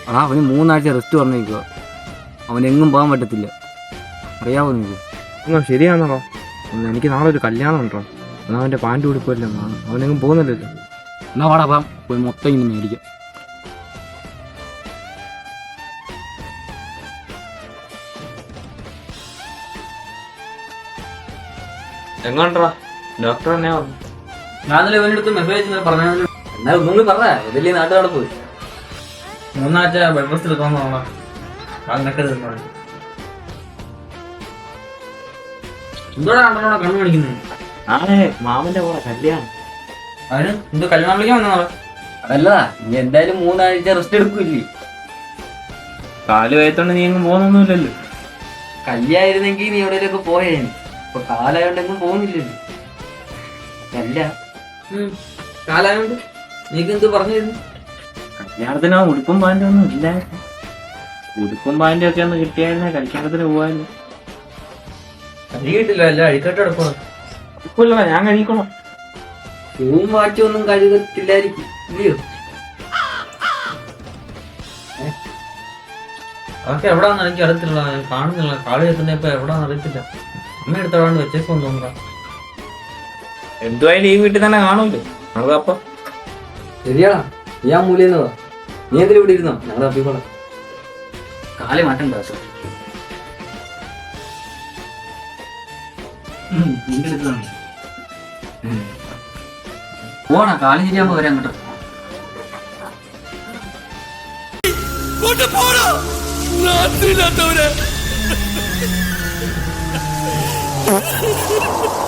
അവന് 3 ആഴ്ച റെസ്റ്റ് പറഞ്ഞേക്കുക. അവനെങ്ങും പോകാൻ പറ്റത്തില്ല. അറിയാവോ നിങ്ങൾക്ക്? ശരിയാണോ? എനിക്ക് നാളെ ഒരു കല്യാണം ഉണ്ടോ? എന്നാൽ അവൻ്റെ പാൻറ് ഉടുപ്പല്ലോ, അവനെങ്ങും പോകുന്നില്ലല്ലോ. എന്നാ വാടാ പോയി മൊത്തം ഇങ്ങനെ മേടിക്കാം. എങ്ങോട്ടാ? ഡോക്ടർ എന്നെ പറഞ്ഞു. ഞാനല്ലേ ഇവനെടുത്ത് മെസ്സേജ് പറഞ്ഞു. എന്നാലും ഒന്നും കൂടി പറഞ്ഞ വലിയ നാട്ടുകാരെ പോയി 3 ആഴ്ച ബെഡ് റെസ്റ്റ് എടുക്കാമെന്ന് തോന്നാം. എന്തോടാ കണ്ണു കാണിക്കുന്നത്? മാമന്റെ കൂടെ കല്യാണം. അതിന് എന്തോ കല്യാണം വിളിക്കാൻ വന്നാ? അതല്ലതാ, നീ എന്തായാലും 3 ആഴ്ച റെസ്റ്റ് എടുക്കൂല്ലേ? കാല് വയത്തോണ്ട് നീ എങ്ങും പോകുന്നൊന്നുമില്ലല്ലോ. കല്യായിരുന്നെങ്കിൽ നീ എവിടെയൊക്കെ പോയേനെ. ഇപ്പൊ കാലായോണ്ടെങ്കിലും പോകുന്നില്ലല്ലോ. അല്ല കാലായോണ്ട് നീക്ക് എന്ത് പറഞ്ഞിരുന്നു? കല്യാണത്തിന് ഉടുപ്പും പാൻറ്റും ഒന്നും ഇല്ല. ഉടുപ്പും പാൻറ്റും ഒക്കെ ഒന്ന് കിട്ടിയായിരുന്നേ കല്യാണത്തിന് പോവാല്ലോ. കഴുകിയിട്ടില്ല, അല്ല അഴിക്കട്ടെ എടുക്കണം. ഉടുപ്പില്ല, ഞാൻ കഴിക്കണം. പൂവും വാറ്റും ഒന്നും കഴുകത്തില്ലായിരിക്കും ഇല്ലയോ? അതൊക്കെ എവിടാന്ന് എനിക്ക് അറിയത്തില്ല, ഞാൻ കാണുന്നില്ല. കാളി എത്തുന്ന ഇപ്പൊ എവിടാന്ന് അറിയത്തില്ല. അമ്മ എടുത്തോണ്ട് വെച്ചേക്കും തോന്നുക. എന്തുവായാലും ഈ വീട്ടിൽ തന്നെ കാണൂല്ലോ അപ്പൊ. ശരിയാടാ, നീ ആ മൂല്യെന്നതാ. നീ എന്തിനും ഇവിടെ ഇരുന്നോ? ഞങ്ങൾ തപ്പിക്കോളാം. കാലി മാറ്റണ്ട. പോണ കാലി ശരിയാകുമ്പോ വരാൻ കേട്ടോ.